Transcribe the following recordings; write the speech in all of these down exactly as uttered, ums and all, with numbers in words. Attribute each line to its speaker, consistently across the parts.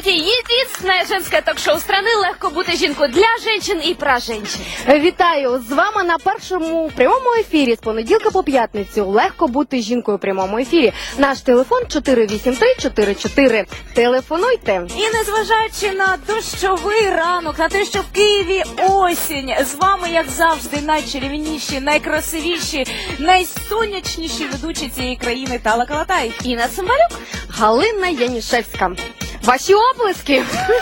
Speaker 1: Здравствуйте! Единственное женское ток-шоу страны «Легко бути жінкою» для женщин и про женщин.
Speaker 2: Вітаю! З вами на першому прямому ефірі з понеділка по п'ятницю. Легко бути жінкою у прямому ефірі. Наш телефон чотири вісім три чотири чотири. Телефонуйте.
Speaker 3: І незважаючи на дощовий ранок, на те, що в Києві осінь, з вами, як завжди, найчарівніші, найкрасивіші, найсонячніші ведучі цієї країни Тала Калатай.
Speaker 1: Інна Цимбалюк.
Speaker 2: Галина Янішевська. Ваші оплески!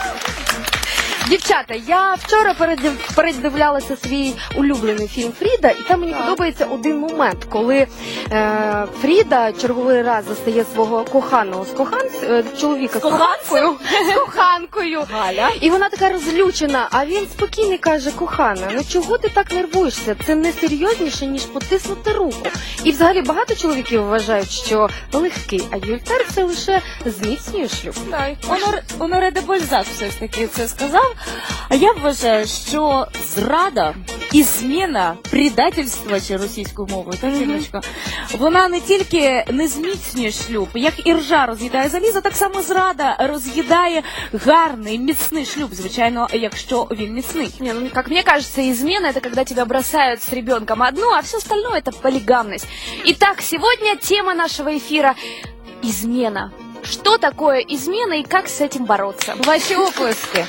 Speaker 2: Дівчата, я вчора передив- передивлялася свій улюблений фільм «Фріда», і там мені
Speaker 3: Так.
Speaker 2: подобається один момент, коли е, Фріда черговий раз застає свого коханого з кохан... е, чоловіка з коханкою, з коханкою.
Speaker 3: Галя.
Speaker 2: І вона така розлючена, а він спокійно каже: кохана, ну чого ти так нервуєшся? Це не серйозніше, ніж потиснути руку. І взагалі багато чоловіків вважають, що легкий адюльтер – це лише зміцнює шлюб.
Speaker 3: Онор, Оноре де Бальзак все ж таки це сказав. А я вважаю, що зрада і зміна, предательство, чи російською мовою, так, Інночка, вона не тільки не зміцнює шлюб, як і ржа роз'їдає залізо, так само зрада роз'їдає гарний, міцний шлюб, звичайно, якщо він міцний.
Speaker 1: Не, ну, как мне кажется, измена — это когда тебя бросают с ребенком одну, а все остальное — это полигамность. Итак, сегодня тема нашего эфира — измена. Что такое измена и как с этим бороться?
Speaker 3: Ваші оплески.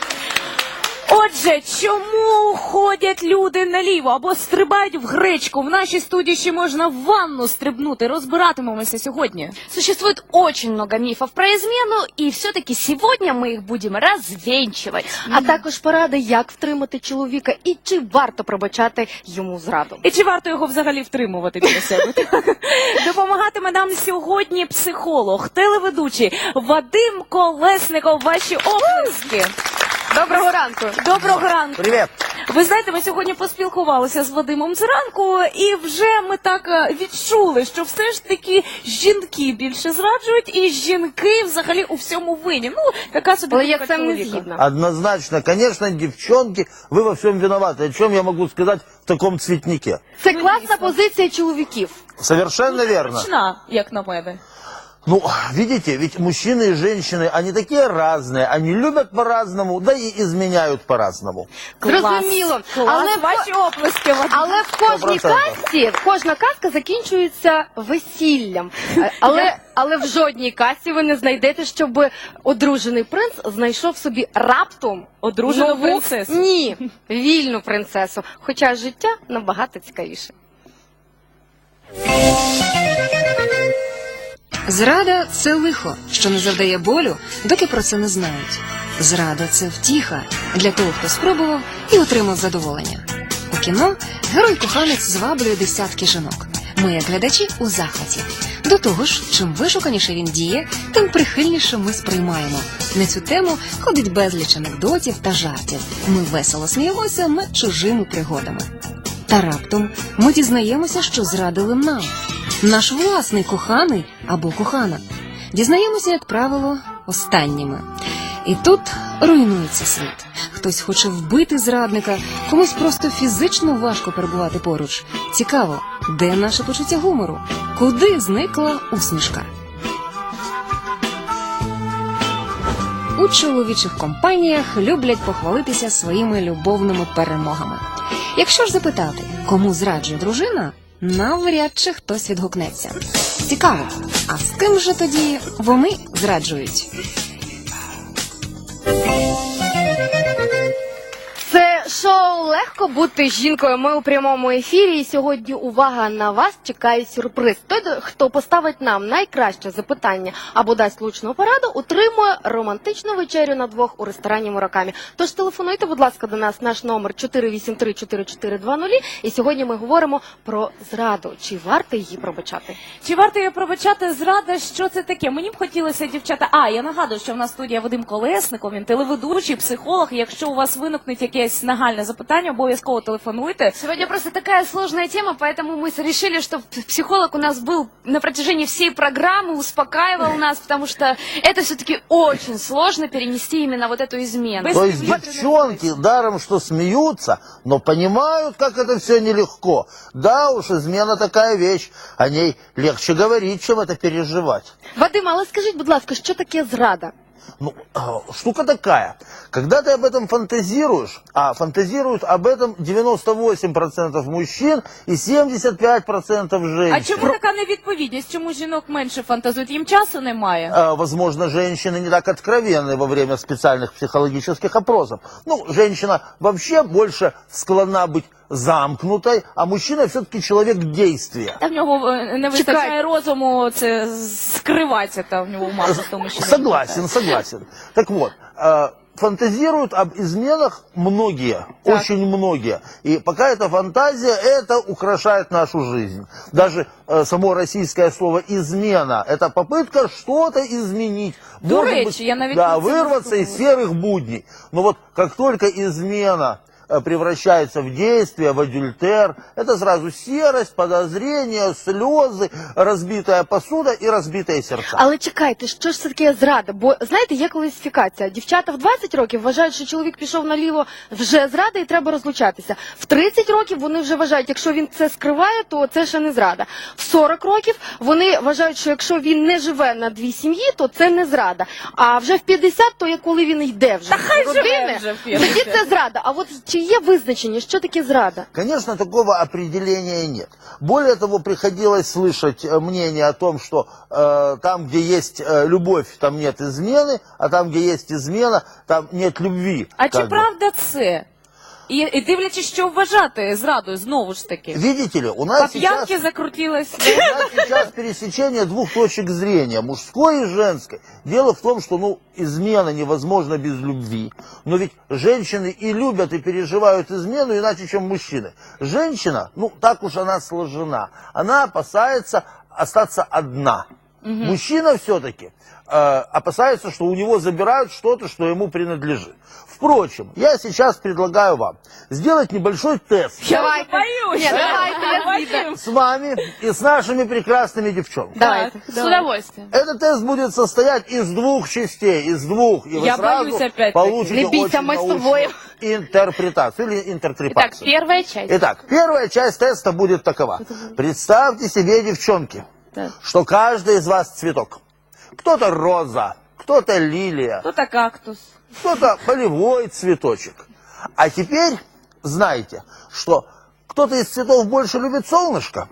Speaker 3: Отже, чому ходять люди наліво або стрибають в гречку? В нашій студії ще можна в ванну стрибнути. Розбиратимемося сьогодні.
Speaker 1: Существует очень много мифов про измену, и все-таки сегодня мы их будем развенчивать.
Speaker 2: А також поради, як втримати чоловіка і чи варто пробачати йому зраду.
Speaker 3: І чи варто його взагалі втримувати біля себе? Допомагатиме нам сьогодні психолог, телеведучий Вадим Колесников. Ваші оплески.
Speaker 2: Доброго ранку!
Speaker 3: Доброго ранку.
Speaker 4: Привет!
Speaker 3: Ви знаєте, ми сьогодні поспілкувалися з Вадимом зранку, і вже ми так е, відчули, що все ж таки жінки більше зраджують, і жінки взагалі у всьому винні. Ну, така собі
Speaker 2: Але я
Speaker 3: думка
Speaker 2: з цим не
Speaker 3: чоловіка.
Speaker 2: згідна.
Speaker 4: Однозначно, конечно, девчонки, вы во всем виноваты. О чем я могу сказать в таком цветнике?
Speaker 2: Це
Speaker 3: Ну,
Speaker 2: класна
Speaker 3: дійсно.
Speaker 2: позиція чоловіків.
Speaker 4: Совершенно верно.
Speaker 3: Точна, як на мене.
Speaker 4: Ну, видите, ведь мужчины и женщины, они такие разные, они любят по-разному, да и изменяют по-разному.
Speaker 2: Зрозуміло.
Speaker 3: Клас.
Speaker 2: Але, в-
Speaker 3: Ваші оплески, Вадим.
Speaker 2: але в кожній
Speaker 4: Сто процентів.
Speaker 2: касті, кожна казка закінчується весіллям. Е, Але, але в жодній касті ви не знайдете, щоб одружений принц знайшов собі раптом
Speaker 3: Одружену
Speaker 2: нову-
Speaker 3: принцесу.
Speaker 2: Ні, вільну принцесу. Хоча життя набагато цікавіше.
Speaker 5: Зрада – це лихо, що не завдає болю, доки про це не знають. Зрада – це втіха для того, хто спробував і отримав задоволення. У кіно герой-коханець зваблює десятки жінок. Ми, як глядачі, у захваті. До того ж, чим вишуканіше він діє, тим прихильніше ми сприймаємо. На цю тему ходить безліч анекдотів та жартів. Ми весело сміємося над чужими пригодами. Та раптом ми дізнаємося, що зрадили нам. Наш власний коханий або кохана. Дізнаємося, як правило, останніми. І тут руйнується світ. Хтось хоче вбити зрадника, комусь просто фізично важко перебувати поруч. Цікаво, де наше почуття гумору? Куди зникла усмішка? У чоловічих компаніях люблять похвалитися своїми любовними перемогами. Якщо ж запитати, кому зраджує дружина, навряд чи хтось відгукнеться. Цікаво, а з ким же тоді вони зраджують?
Speaker 2: Це шоу «Легко бути жінкою». Ми у прямому ефірі, і сьогодні увага, на вас чекає сюрприз. Той, хто поставить нам найкраще запитання або дасть влучну пораду, отримує романтичну вечерю на двох у ресторані «Муракамі». Тож телефонуйте, будь ласка, до нас, наш номер чотири вісім три чотири чотири два нуль. І сьогодні ми говоримо про зраду. Чи варто її пробачати?
Speaker 3: Чи варто її пробачати? Зрада, що це таке? Мені б хотілося, дівчата... А, я нагадую, що в нас студія Вадим Колесников, він телеведучий, психолог. Якщо у вас виникнуть якесь нагальне запитання, обов'язково телефонуйте.
Speaker 1: Сегодня просто такая сложная тема, поэтому мы решили, что психолог у нас был на протяжении всей программы, успокаивал нас, потому что это все-таки очень сложно перенести именно вот эту измену.
Speaker 4: То есть девчонки даром что смеются, но понимают, как это все нелегко. Да уж, измена такая вещь, о ней легче говорить, чем это переживать.
Speaker 2: Вадим, але скажіть, будь ласка, що таке зрада?
Speaker 4: Ну, штука такая. Когда ты об этом фантазируешь, а фантазируют об этом девяносто восемь процентов мужчин и семьдесят пять процентов женщин.
Speaker 3: А чому така невідповідність? Чому жінок менше фантазують? Їм часу немає?
Speaker 4: А, возможно, женщины не так откровенны во время специальных психологических опросов. Ну, женщина вообще больше склонна быть замкнутой, а мужчина все-таки человек действия.
Speaker 3: Та в нього е, не вистачає
Speaker 2: Чекай.
Speaker 3: розуму це скриватися та в нього маса в тому, що не
Speaker 4: Согласен, согласен. Так вот, э, фантазируют об изменах многие,
Speaker 3: Так.
Speaker 4: очень многие. И пока это фантазия, это украшает нашу жизнь. Даже э, само российское слово «измена» — это попытка что-то изменить.
Speaker 3: До
Speaker 4: Может
Speaker 3: речи,
Speaker 4: быть,
Speaker 3: я навіть
Speaker 4: да,
Speaker 3: про це не
Speaker 4: вырваться из серых будней. Но вот как только измена э, превращается в действие, в адюльтер, это сразу серость, подозрения, слезы, разбитая посуда и разбитые сердца.
Speaker 2: Але чекайте, що ж це таке зрада? Бо знаєте, є класифікація. Дівчата в двадцять років вважають, що чоловік пішов наліво, вже зрада і треба розлучатися. В тридцять років вони вже вважають, якщо він це скриває, то це ще не зрада. В сорок років вони вважають, що якщо він не живе на дві сім'ї, то це не зрада. А вже в п'ятдесят, то є коли він йде вже
Speaker 3: хай
Speaker 2: з
Speaker 3: живе
Speaker 2: родини,
Speaker 3: вже в п'ятдесят.
Speaker 2: тоді це зрада. А от чи є визначення, що таке зрада?
Speaker 4: Конечно, такого определения нет. Более того, приходилось слышать э, мнение о том, что э, там, где есть э, любовь, там нет измены, а там, где есть измена, там нет любви.
Speaker 3: А чи
Speaker 4: как бы.
Speaker 3: правда це? І, і дивлячись, що вважати зрадою, знову ж таки.
Speaker 4: Видите ли, у нас
Speaker 3: По
Speaker 4: сейчас...
Speaker 3: п'янки закрутилась.
Speaker 4: У нас сейчас пересечение двух точек зрения, мужской и женской. Дело в том, что, ну, измена невозможна без любви. Но ведь женщины и любят, и переживают измену иначе, чем мужчины. Женщина, ну, так уж она сложена. Она опасается остаться одна. Мужчина все-таки э, опасается, что у него забирают что-то, что ему принадлежит. Впрочем, я сейчас предлагаю вам сделать небольшой тест
Speaker 2: Давайте.
Speaker 3: боюсь.
Speaker 2: Ні, давайте, я
Speaker 3: Боюсь.
Speaker 2: звідти.
Speaker 4: с вами и с нашими прекрасными девчонками.
Speaker 2: Давайте.
Speaker 1: С удовольствием.
Speaker 4: Этот тест будет состоять из двух частей, из двух, и вы
Speaker 3: Я
Speaker 4: сразу
Speaker 3: боюсь опять-таки.
Speaker 4: получите
Speaker 2: Не бейся,
Speaker 4: очень
Speaker 2: мы с тобой.
Speaker 4: научную интерпретацию или
Speaker 1: Итак,
Speaker 4: интертрепацию.
Speaker 1: первая часть.
Speaker 4: Итак, первая часть теста будет такова. Представьте себе, девчонки, что каждый из вас цветок. Кто-то роза, кто-то лилия,
Speaker 3: Хто-то кактус.
Speaker 4: кто-то полевой цветочек. А теперь знаете, что кто-то из цветов больше любит солнышко,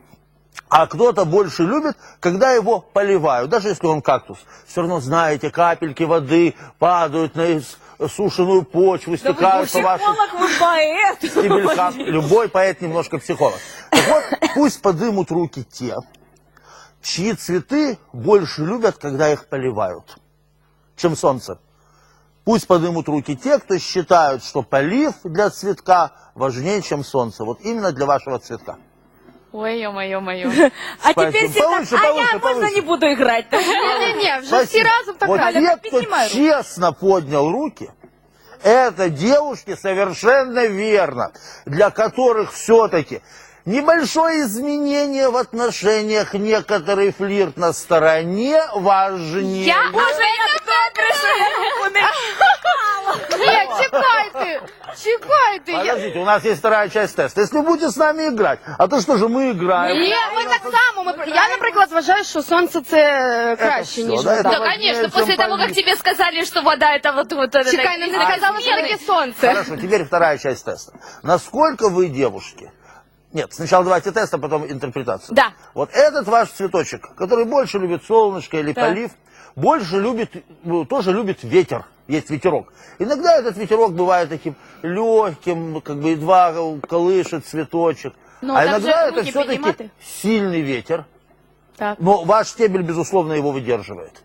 Speaker 4: а кто-то больше любит, когда его поливают. Даже если он кактус. Все равно, знаете, капельки воды падают на сушеную почву,
Speaker 3: Да вы
Speaker 4: стекают по вашим
Speaker 3: психолог, вы поэт.
Speaker 4: стебелькам. Любой поэт немножко психолог. Так вот, пусть подымут руки те, чьи цветы больше любят, когда их поливают, чем солнце. Пусть поднимут руки те, кто считают, что полив для цветка важнее, чем солнце. Вот именно для вашего цветка.
Speaker 1: Ой, ё-моё, моё.
Speaker 3: А
Speaker 4: Спасибо.
Speaker 3: теперь все
Speaker 4: Повыше,
Speaker 3: так, а
Speaker 4: повыше,
Speaker 3: я, можно,
Speaker 4: повыше.
Speaker 3: не буду играть.
Speaker 2: Ні-ні-ні, вже всі
Speaker 4: Спасибо.
Speaker 2: разом так
Speaker 4: Вот
Speaker 2: кажуть.
Speaker 4: те,
Speaker 3: Галя,
Speaker 4: кто
Speaker 3: поднимай руку.
Speaker 4: честно поднял руки, это девушки совершенно верно, для которых все-таки небольшое изменение в отношениях, некоторый флирт на стороне важнее.
Speaker 1: Я
Speaker 3: Боже, я добре, що я руку не
Speaker 2: Ні, чекайте, чекайте. Я...
Speaker 4: Подождите, у нас есть вторая часть теста. Если вы будете с нами играть, а то что же мы играем?
Speaker 2: Ні, ми так само. Ми... Я, наприклад, вважаю, що сонце це краще,
Speaker 4: всё,
Speaker 2: ніж
Speaker 4: да,
Speaker 2: вода.
Speaker 1: Да,
Speaker 4: важнее,
Speaker 1: конечно,
Speaker 4: чем
Speaker 1: после того, как
Speaker 4: полив.
Speaker 1: тебе сказали, что вода это вот... вот это,
Speaker 2: Чекай, ну не
Speaker 1: это
Speaker 2: сказали, що
Speaker 1: измены.
Speaker 2: таке сонце.
Speaker 4: Хорошо, теперь вторая часть теста. Насколько вы, девушки... Нет, сначала давайте тест, а потом интерпретацию.
Speaker 1: Да.
Speaker 4: Вот этот ваш цветочек, который больше любит солнышко или
Speaker 3: Так.
Speaker 4: полив, больше любит, ну, тоже любит ветер. Есть ветерок. Иногда этот ветерок бывает таким легким, как бы едва колышет цветочек.
Speaker 1: Ну,
Speaker 4: а
Speaker 1: так
Speaker 4: иногда
Speaker 1: же
Speaker 4: это
Speaker 1: руки
Speaker 4: все-таки
Speaker 1: подниматы.
Speaker 4: сильный ветер.
Speaker 1: Так.
Speaker 4: Но ваш стебель, безусловно, его выдерживает.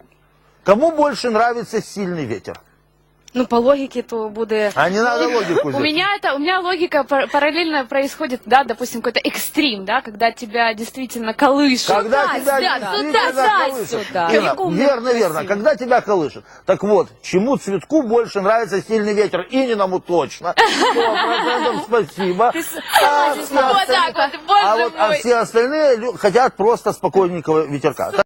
Speaker 4: Кому больше нравится сильный ветер?
Speaker 2: Ну, по логіці, то буде...
Speaker 4: А не надо логику
Speaker 1: У
Speaker 4: здесь.
Speaker 1: меня это, у меня логика пар- параллельно происходит, да, допустим, какой-то экстрим, да, когда тебя действительно колышет.
Speaker 4: Когда
Speaker 1: Туда,
Speaker 4: тебя
Speaker 1: сюда,
Speaker 4: действительно
Speaker 1: туда,
Speaker 4: колышет.
Speaker 3: сюда.
Speaker 4: Инна,
Speaker 3: Как умно,
Speaker 4: верно, верно.
Speaker 3: красиво.
Speaker 4: Когда тебя колышет. Так вот, чему цветку больше нравится сильный ветер? Ининому точно. Сто процентов спасибо. А все
Speaker 1: Вот
Speaker 4: остальные-
Speaker 1: так вот, боже
Speaker 4: А вот а
Speaker 1: мой.
Speaker 4: все остальные лю- хотят просто спокойненького ветерка.